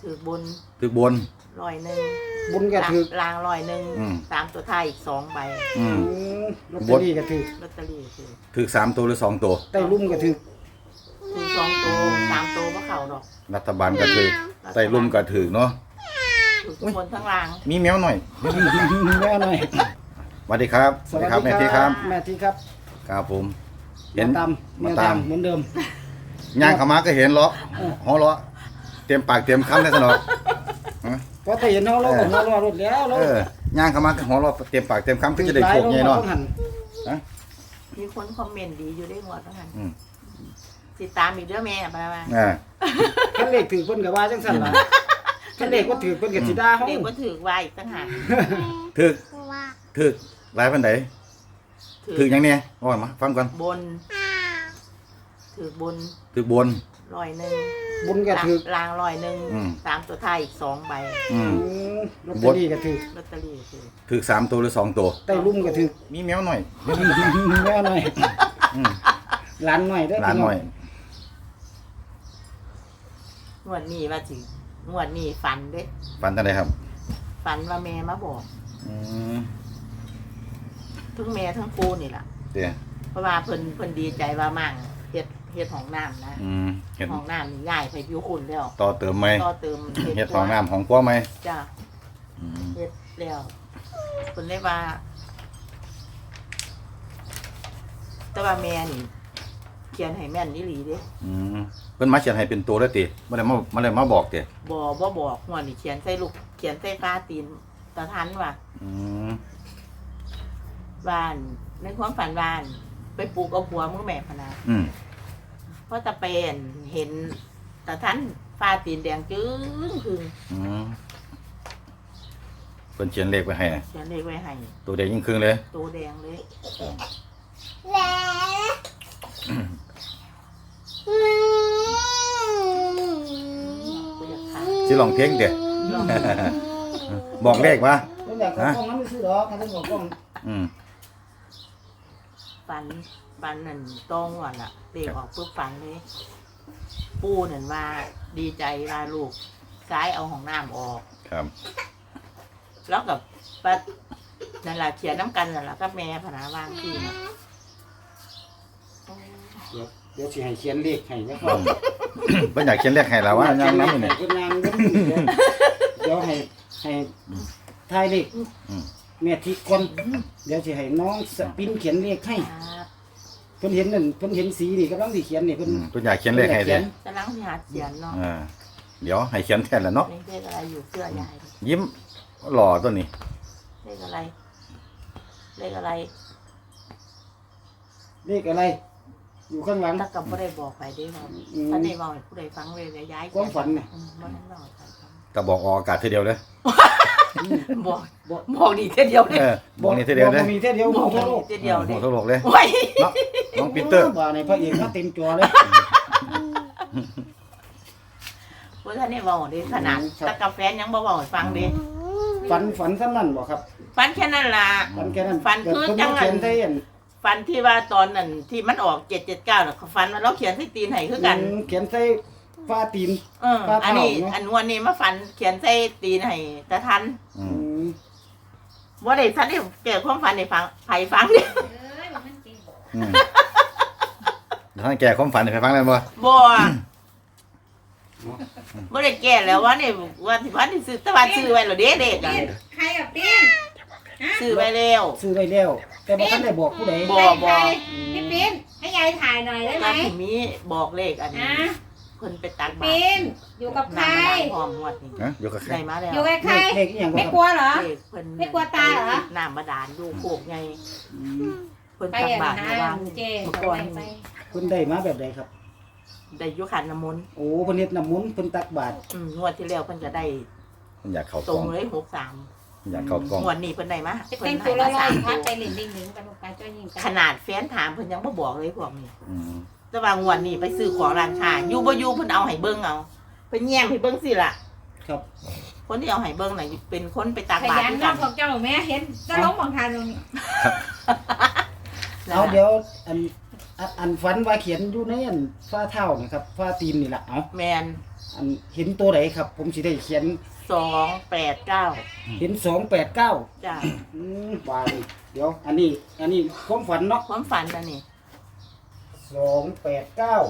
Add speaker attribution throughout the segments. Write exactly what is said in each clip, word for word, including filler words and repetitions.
Speaker 1: ถือบน
Speaker 2: ถือบน
Speaker 1: ร้อยหนึ่ง
Speaker 3: บุญก็ถือ
Speaker 1: ลางร้อยหนึ่งสามตัวท้ายอีกสองใบ
Speaker 2: อืม
Speaker 3: ลอตเตอรี่ก็ถือ
Speaker 1: ลอตเตอรี่ถือ
Speaker 2: ถือสามตัวหรือสองตัว
Speaker 3: ไต้ลุ่มก็ถือ
Speaker 1: ถือสองตัวสามตัวก็เข่าดอก
Speaker 2: รัฐบาลก็ถือไต้ลุ่มก็ถือเนาะ
Speaker 1: ถือทุกคนทั้งราง
Speaker 2: มีแมวหน่อย
Speaker 3: แม่หน่อย
Speaker 2: สวัสดีครับ
Speaker 3: สวัสดีครับแม่ทีครับแม่ทีครับ
Speaker 2: ครับผม
Speaker 3: เห็นตามมาตามเหมือนเดิม
Speaker 2: ย่างเข้ามาก็เห็นเลาะหัวเลาะเต็มปากเต็มคำเลยสนอ
Speaker 3: พอแต่เห็นเขาเราก็หัวเราะรถแล้วเรา
Speaker 2: ย่างเข้ามาก็หัวเลาะเต็มปากเต็มคำก็จะได้โชคไงเนาะ
Speaker 1: มีคนคอมเมนต์ดีอยู่ได้หมดทั้งนั้นติดตามอีกเด้อแม่ไปมา
Speaker 3: ท่านเลขถือเพิ่นกับว่าจังสั่นล่ะท่านเลขก็ถือเพิ่นกับสิดาเฮา
Speaker 1: เลขก็ถือไว้อีกต่างหาก
Speaker 2: ถือถือหลายปานใดถือหยังเนี่ยว่ามาฟังก่อน
Speaker 1: บนถือบน
Speaker 2: ถือบน
Speaker 1: ร้อยหนึ่ง
Speaker 3: บุญก็ถือ
Speaker 1: ลางร้อยหนึ่งสามตัวท้ายอีกสองใบ
Speaker 3: ลอตเตอรี่ก็ถือ
Speaker 1: ลอตเตอรี่ถือ
Speaker 2: ถือสามตัวหรือสองตัว
Speaker 3: ไต้ลุ่มก็ถือ
Speaker 2: มีแมวหน่อย
Speaker 3: แม่หน่อยหลานหน่อยได้
Speaker 2: หลานหน่อย
Speaker 1: งวดนี้ว่าสิงวดนี้ฝันเด้
Speaker 2: ฝันจังได๋ครับ
Speaker 1: ฝันว่าแม่มาบอกอืมทั้งแม่ทั้งปู่นี่ล่ะเด้เพราะว่าเพิ่นเพิ่นดีใจว่ามั่งเฮ็ดเฮ็ดห้องน้ำนะอืมเฮ็ดห้องน้ำนี่ย้ายไปอยู่คุณแล้ว
Speaker 2: ต่อเติมใหม่
Speaker 1: ต่อเติม
Speaker 2: เฮ็ดห้องน้ำของครัวใหม่
Speaker 1: จ้ะอืมเฮ็ดแล้วเพิ่นเลยว่าแต่ว่าแม่นี่เขียนให้แม่นอีหลีเด้
Speaker 2: อืมเพิ่นมาเขียนให้เป็นตัวแล้วติบ่ได้มาบ่ได้มาบอกติ
Speaker 1: บ่บ่บอกหัวนี่เขียนใส่ลูกเขียนใส่ฟ้าตีนตะทันว่าอืมบ้านในความฝันบ้านไปปลูกเอาผัวมือแม่พนาอืมเพราะตะเป็นเห็นตะทันฟ้าตีนแดงจึ้งคืออืม
Speaker 2: เพิ่นเขียนเลขไว้ให้
Speaker 1: เขียนเลขไว้ให้
Speaker 2: ตัวแดงยิ่งครึ่งเลย
Speaker 1: ตัวแดงเลย
Speaker 2: สิลองเพลงเด้บอกเลขว่า
Speaker 3: บ่อยากเข้ากล้องนั้นไม่ซื้อดอกถ้าต้องบอกกล้องอืม
Speaker 1: ฝันฝันนั่นตรงว่าล่ะเลขออกปุ๊บฝันเลยปู่นั่นว่าดีใจว่าลูกซ้ายเอาห้องน้ำออกครับแล้วกับปัดนั่นล่ะเขียนน้ำกันนั่นล่ะกับแม่พนาวางที่น่ะ
Speaker 3: เดี๋ยวเดี๋ยวสิให้เขียนเลขให้นะครับ
Speaker 2: เพิ่นอยากเขียนเลขให้แล้วว่ายามนำนี่
Speaker 3: เพิ่นยามเดี๋ยวให้ให้ทายเลขแม่ทิคนเดี๋ยวสิให้น้องสปินเขียนเลขให้เพิ่นเห็นนั่นเพิ่นเห็นสีนี่กำลังสิเขียนนี่เพิ่น
Speaker 2: เพิ่นอยากเขียนเลขให้เด้
Speaker 1: กำลังสิหาเขียนเนาะ
Speaker 2: อ่าเดี๋ยวให้เขียนแทนแล้วเนาะ
Speaker 1: เลขอะไรอยู่เสื้อยาย
Speaker 2: ยิ้มหล่อตัวนี้
Speaker 1: เลขอะไรเลขอะไร
Speaker 3: เลขอะไรอยู่ข้างหลัง
Speaker 1: ถ้ากับผู้ใดบอกไปได้ครับถ้าได้บอกผู้ใดฟังเลยย้าย
Speaker 3: ความฝันเนี่ย
Speaker 2: ก็บอกออกอากาศทีเดียวเลย
Speaker 1: บอกบอกนี่ทีเดียวเลย
Speaker 2: บอกนี่ทีเดียวเลย
Speaker 3: มีทีเดียวบอก
Speaker 1: ทั่วโลกทีเดียวเลย
Speaker 2: ทั่วโลกเลยน้องปีเตอร์
Speaker 3: ว่าในพระเอกมาเต็มจอเลย
Speaker 1: เพราะท่านนี่บอกดิขนาดตะกาแฟยังบอกบอกฟังดิ
Speaker 3: ฝันฝันสั้นนั่นบอกครับ
Speaker 1: ฝันแค่นั้นล่ะ
Speaker 3: ฝันแค่นั้น
Speaker 1: ฝันคือจังไงฟันที่ว่าตอนนั้นที่มันออกเจ็ดเจ็ดเก้าน่ะฟันว่าเราเขียนใส่ตีนให้คือกัน
Speaker 3: เขียนใส่ฟ้าตีน
Speaker 1: เอออันนี้อันวันนี้มาฟันเขียนใส่ตีนให้ตะทันว่าได้ทันได้เกิดความฝันในฟังไผ่ฟังเนี่ย
Speaker 2: ท่านแก่ความฝันให้ฟังได้บ่
Speaker 1: บ่บ่ได้แก่แล้วว่านี่ว่าที่พันที่ซื้อตะวันซื้อไว้แล้วเด้เด็กอ่ะ
Speaker 4: ใครอ่ะปิ้น
Speaker 1: ซื้อไว้แล้ว
Speaker 3: ซื้อไว้แล้วแต่บ่ทันได้บอกผู้ใด
Speaker 1: บ่บ่
Speaker 4: พี่ปิ้นให้ยายถ่ายหน่อยได้ไหม
Speaker 1: ก็มีบอกเลขอันนี้เพิ่นไปตักบาตร
Speaker 4: ปิ้นอยู่กับใคร
Speaker 1: พร้อมงวดนี้
Speaker 2: ฮะอยู่กับใคร
Speaker 1: ได้มาแล้ว
Speaker 4: อยู่กับใคร
Speaker 3: เลขอีหยัง
Speaker 4: ไม่กลัวเหรอ
Speaker 1: เพิ่น
Speaker 4: ไม่กลัวตายเหรอ
Speaker 1: น้ำบาดาลดูโคกไงเพิ่นตักบาตรระวัง
Speaker 4: เมื่อ
Speaker 3: ก่อนเพิ่นได้มาแบบใดครับ
Speaker 1: ได้อยู่ขันน้ำมนต์
Speaker 3: โอ้เพิ่นเฮ็ดน้ำมนต์เพิ่นตักบาตร
Speaker 1: อืมงวดที่แล้วเพิ่นก็ได้
Speaker 2: เพิ่นอยากเข้า
Speaker 1: ตรงเลยหกสาม
Speaker 2: อยากเข้ากล้อง
Speaker 1: งวดนี้เพิ่นได้มา
Speaker 4: เพิ่นให้มาสามพักไปเล่นดิ้งดิ้งกันไปจ้อยยิง
Speaker 1: ขนาดแฟนถามเพิ่นยังบ่บอกเลยพวกนี้แต่ว่างวดนี้ไปซื้อของร้านค้าอยู่บ่อยู่เพิ่นเอาให้เบิ่งเอาเพิ่นแย้มให้เบิ่งสิล่ะ
Speaker 3: ครับ
Speaker 1: คนที่เอาให้เบิ่งน่ะเป็นคนไปตักบาตร
Speaker 4: กันขยันของเจ้าแม่เห็นจะล้มของทานตรงนี้
Speaker 3: เอาเดี๋ยวอันอันอันฝันว่าเขียนอยู่ในอันฝ้าเท้านะครับฝ้าตีนนี่แหละเอา
Speaker 1: แมน
Speaker 3: อันเห็นตัวไหนครับ ผมสิได้เขียน
Speaker 1: สองแปดเก้า
Speaker 3: เห็นสองแปดเก้า
Speaker 1: จ้ะ
Speaker 3: อืมบาดนี่เดี๋ยว อันนี้ อันนี้ความฝันเนาะ
Speaker 1: ความฝันนะนี่
Speaker 3: สองแปดเก้า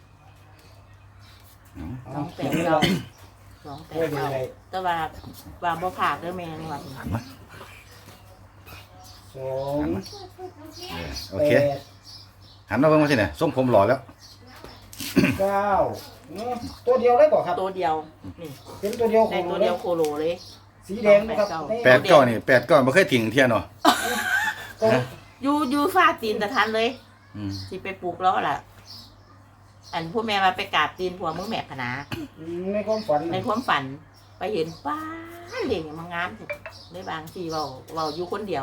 Speaker 1: สองแปดเก้าสองแปดเก้าแต่ว่าว่าบ่ขาดเด้อแม่นี่ว่า
Speaker 2: หันมา
Speaker 3: สอง
Speaker 2: เออโอ
Speaker 3: แป
Speaker 2: เค
Speaker 3: ด
Speaker 2: หันมาเบิ่งมาสิเนี่ยส้มผมหล่อแล้ว
Speaker 3: เก้าอืมตัวเดียวได้ก่อครับ
Speaker 1: ตัวเดียวนี่
Speaker 3: เป็นตัวเดียว
Speaker 1: ใน
Speaker 3: ของ
Speaker 1: ตัว
Speaker 3: เล
Speaker 1: เดี
Speaker 3: ย
Speaker 1: ยวโคโลเลย
Speaker 3: สีแดงนะครับ
Speaker 2: แปดเก้านี่แปดเก้าบ่เคยทิ้งเที่ยเนาะ
Speaker 3: ตัว
Speaker 1: อยู่อยู่ฟ้าตีนตะทันเลย
Speaker 2: อืม
Speaker 1: สิไปปลูกแล้วล่ะ อันผู้แม่มาไปกราบตีนผัวมึงแม่คณะ
Speaker 3: อืมในความฝัน
Speaker 1: ในความฝันไปเห็นป้าเด็กมางามสุดในบางทีเราเราอยู่คนเดียว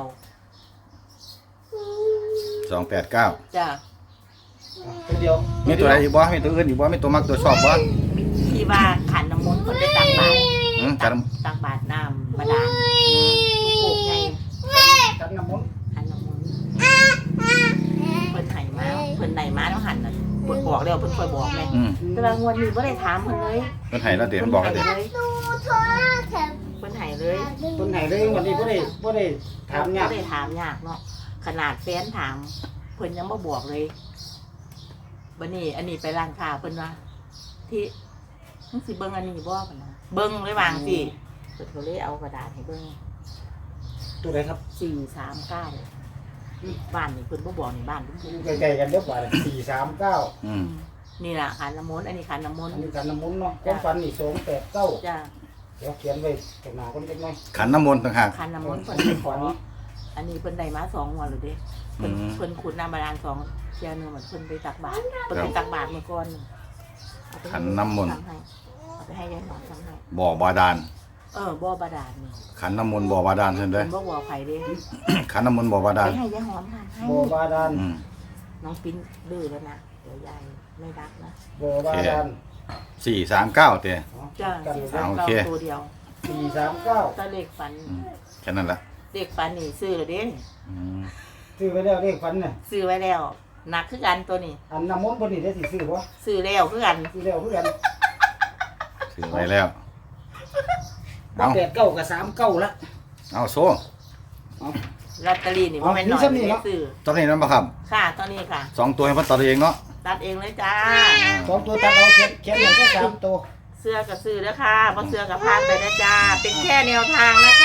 Speaker 2: สองแปดเก้า
Speaker 1: จ้ะ
Speaker 3: ตัวเดียว
Speaker 2: มีตัวใดอีกบ่มีตัวอื่นอีกบ่มีตัวมักตัวชอบบ่
Speaker 1: ที่ว่าขันน้ำมนต์คนได้ตักบาตร
Speaker 2: อืม
Speaker 1: ตั
Speaker 2: กัน
Speaker 1: กตักบาตรน้ำบาดาลลูกโป่งไง
Speaker 3: กันน้ำมนต์
Speaker 1: ขันน้ำมนต์เพิ่นไห่มาเพิ่นไหนมาแล้วหันน่ะเพิ่นบอกแล้วเพิ่นคอยบอกแม่
Speaker 2: อืม
Speaker 1: แต่ว่างวดนี้บ่ได้ถามเพิ่นเลย
Speaker 2: เพิ่นให้แล้วเดี๋ยวมันบอกแล้วเดี๋ยว
Speaker 1: เพิ่นไห้เลย
Speaker 3: คนไหนเลยวันนี้บ่ได้บ่ได้ถามยาก
Speaker 1: บ่ได้ถามยากเนาะขนาดแฟนถามเพิ่นยังบ่บอกเลยบัดนี้ อันนี้ไปร้านค้าเพิ่นว่าที่มึงสิเบิ่งอันนี้บ่เพิ่นนะเบิ่งเลยวางสิเพิ่นก็เลยเอากระดาษให้เบิ่ง
Speaker 3: ตัวไหนครับ
Speaker 1: สี่สามเก้าบ้านนี่เพิ่นบ่บอกนี่บ้านเพิ่นพูด
Speaker 3: ใกล้ๆกันเด้อว่าสี่สามเก้า
Speaker 2: อืม
Speaker 1: นี่ล่ะขันน้ำมนต์อันนี้ขันน้ำมนต์
Speaker 3: อันนี้กันน้ำมนต์เนาะความฝันนี่สองแปดเก้า
Speaker 1: จ้ะ
Speaker 3: เดี๋ยวเขียนไว้ตรงหน้าคนเล็กน้อย
Speaker 2: ขันน้ำมนต์ต่างหาก
Speaker 1: ขันน้ำมนต์
Speaker 3: ฝั
Speaker 1: เพิ่
Speaker 3: น
Speaker 1: น
Speaker 3: ฝัน
Speaker 1: อันนี้เพิ่นได้มาสองงวดแล้วเด้เพิ่น
Speaker 2: อืม
Speaker 1: เพิ่นขุดน้ำบาดาลสองเที่ยหนึงเหมือนเพิ่นไปตักบาตรเพิ่นไปตักบาตรเมื่อก่อนเอาไปให้
Speaker 2: ขันน้ำมนต์
Speaker 1: ทำให้เอาไปให้ยายหนอนทำให้
Speaker 2: บ่อบาดาล
Speaker 1: เออบ่อบาดาลนี่
Speaker 2: ขันน้ำมนต์บ่อบาดาลเห็นไหม
Speaker 1: เพิ่นบ่บอกไผเด้
Speaker 2: ขันน้ำมนต์บ่อบา
Speaker 1: ไป
Speaker 2: ดาล
Speaker 1: ให้ยายหอมทำให้
Speaker 3: บ่อบาดาล
Speaker 2: อืม
Speaker 1: น้องปิ้นดื้อแล้วนะเดี๋ยวยายไม่รักนะ
Speaker 3: บ่อบาดาล
Speaker 2: สี่สามเก้าเต้
Speaker 1: จ้า
Speaker 3: กัน
Speaker 1: สี่
Speaker 3: อยู่
Speaker 1: สาม
Speaker 2: โอ
Speaker 1: เก้า
Speaker 2: เค
Speaker 1: ตัวเดียว
Speaker 3: สี่สามเก้า
Speaker 1: ตาเลขฝัน
Speaker 2: อืมแค่นั้นละ
Speaker 1: เลขฝันนี่ซื้อแล้วเด้
Speaker 2: อืม
Speaker 3: ซื้อไว้แล้วเลขฝันน่ะ
Speaker 1: ซื้อไว้แล้วหนักคือกันตัวนี้
Speaker 3: อันน้ำมนต์เพิ่นนี่ได้สิซื้อบ่
Speaker 1: ซื้อแล้วคือกัน
Speaker 3: ซื้อแล้วคือกัน
Speaker 2: ถือไว้แล้ว เอา
Speaker 3: แปดเก้ากับสามเก้าละ
Speaker 2: เอาโซ่
Speaker 1: ลอตเตอรี่นี่บ่แม่นน้อย
Speaker 3: เอามีซ้ำนี่
Speaker 1: ไม่
Speaker 3: เนาะ
Speaker 1: ซื้อ
Speaker 2: ตอนนี้นั่นปะครับ
Speaker 1: ค่ะตอนนี้ค่ะ
Speaker 2: สองตัวให้เพ่นตัดเองเนาะ
Speaker 1: ตัดเองเลยจ้า
Speaker 3: สองตัวตัดเอาเขียนเขียนอย่างแค่สามตัว
Speaker 1: เสื้อกับซื้อแล้วค่ะบ่เสื้อกับพานไปนะจ้า เป็นแค่แนวทางนะคะ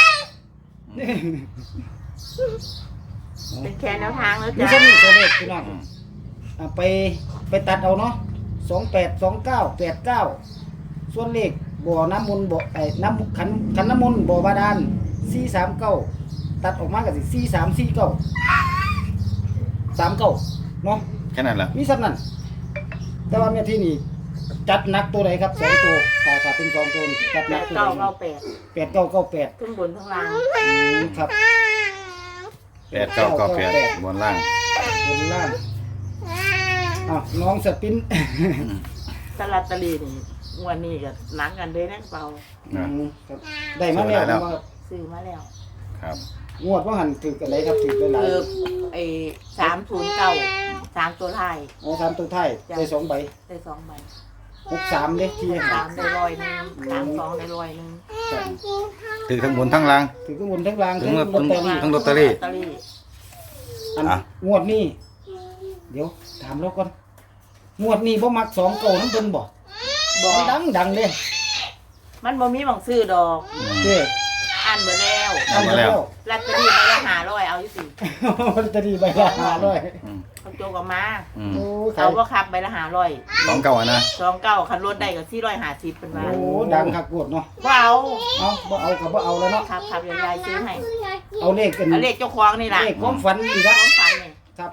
Speaker 1: เป็นแค่แนวทางแล้ว
Speaker 3: มี
Speaker 1: จ้า
Speaker 3: แค่นี้ตัวเลขพี่น้อง
Speaker 2: อืม
Speaker 3: อ่ะไปไปตัดเอาเนาะสองแปดสองเก้าแปดเก้าส่วนเลขบ่อน้ำมนต์บ่อไอ้น้ำขันขันน้ำมนต์บ่อบาดาลสี่สามเก้าตัดออกมาก็สิสี่สามสี่เก้าสามเก้าเนาะ
Speaker 2: แค่นั้นแหละ
Speaker 3: มีสักนั้นแต่ว่าแม่ที่นี่จัดหนักตัวไหนครับสองตัวถ้าถ้าเป็นสองตัวนี่จัดห
Speaker 1: แป
Speaker 3: นัก
Speaker 1: ด
Speaker 3: ตัว
Speaker 1: เก้า
Speaker 3: ไหน
Speaker 1: เก้าแปด
Speaker 3: แปดเก้าเก้าแปด
Speaker 1: ทั้งบนทั้งล่าง
Speaker 3: อืมครับ
Speaker 2: แปดเก้าเก้าแปดบนล่าง
Speaker 3: บนล่างอ้าวน้องสปิน
Speaker 1: ตลาดตะลีนี่งวดนี้ก็หนักกันเลยนะเปล่า
Speaker 3: อืมครับได้มาแล้ว
Speaker 2: ได้แล้ว
Speaker 3: ว่า
Speaker 1: ซื้อมาแล้ว
Speaker 2: ครับ
Speaker 3: งวดว่าหันถืออะไรครับถือหลาย
Speaker 1: คือไอ้สามศูนย์เก้าสามตัวไทาย
Speaker 3: ๆอ๋อสามตัวไทายได้สองใบ
Speaker 1: ได้สองใบ
Speaker 3: หกสามเด้ที่ให้
Speaker 1: สามได้ร้อยหนึ่งสามสองได้ร้อยหนึ่ง
Speaker 3: ครับ
Speaker 2: ถือทั้งบนทั้งล่าง
Speaker 3: ถือข้างบนทั้งล่าง
Speaker 2: ถึ
Speaker 3: ทั้
Speaker 2: ง
Speaker 3: ง
Speaker 2: ว่า
Speaker 3: ลอตเตอรี่
Speaker 2: ทั้งลอตเตอรี่
Speaker 1: ลอตเตอรี่
Speaker 3: อัน
Speaker 2: อ่ะ
Speaker 3: งวดนี้เดี๋ยวถามเราก่อนงวดนี้บ่มักสองเก่าน้ำเบิ่นบ่
Speaker 1: บอก
Speaker 3: ดังดังเด้
Speaker 1: มันบ่มีหม่องซื้อดอก
Speaker 2: อืม
Speaker 3: เด้
Speaker 1: อ่านเบอร์แล้ว
Speaker 2: เอามาแล้ว
Speaker 1: ลอตเตอรี่ใบละห้าร้อยเอาอยู่สิ
Speaker 3: ลอตเตอรี่ใบละห้าร้อย
Speaker 2: อืม
Speaker 1: เขาโจกออกมา
Speaker 2: อืม
Speaker 3: โอ้ขา
Speaker 1: เอา
Speaker 3: ย
Speaker 1: ว่าครับใบละห้าร้อย
Speaker 2: สองเก้าอะนะ
Speaker 1: สองเก้าคันรถได้ก็สี่ร้อยห้าสิบเป็นว่า
Speaker 3: โอ้ดังคักโกดเนาะ
Speaker 1: ว่าเอา
Speaker 3: เอาบ่เอาก็บ่เอาแล้วเนาะ
Speaker 1: ครับครับยายซื้อให้
Speaker 3: เอาเลขกัน
Speaker 1: เอาเลขเจ้าของนี่ล่ะ
Speaker 3: เลขความฝันอีก
Speaker 1: ข
Speaker 3: ละ
Speaker 1: องฝันนี่
Speaker 3: ครับ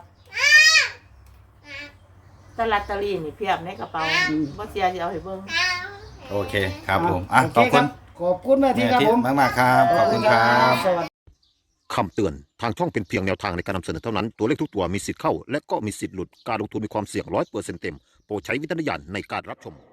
Speaker 1: แตลอตเตอรี่นี่เพียบในกระเป๋า
Speaker 3: อืม
Speaker 1: บ่เสียสิเอาให้เบิ่ง
Speaker 2: โอเคครับผมอ่ะ
Speaker 3: โเ
Speaker 2: ขอบคุณ
Speaker 3: ขอบคุณแม่ที่
Speaker 2: แม่
Speaker 3: ครับ
Speaker 2: ทิพ
Speaker 3: ผม
Speaker 2: ย์มากๆครับ ขอบคุณครับ
Speaker 3: สวัสดี
Speaker 5: คำเตือน ทางช่องเป็นเพียงแนวทางในการนำเสนอเท่านั้น ตัวเลขทุกตัวมีสิทธิ์เข้า และก็มีสิทธิ์หลุด การลงทุนมีความเสี่ยงร้อยเปอร์เซ็นต์เต็ม โปรดใช้วิจารณญาณในการรับชม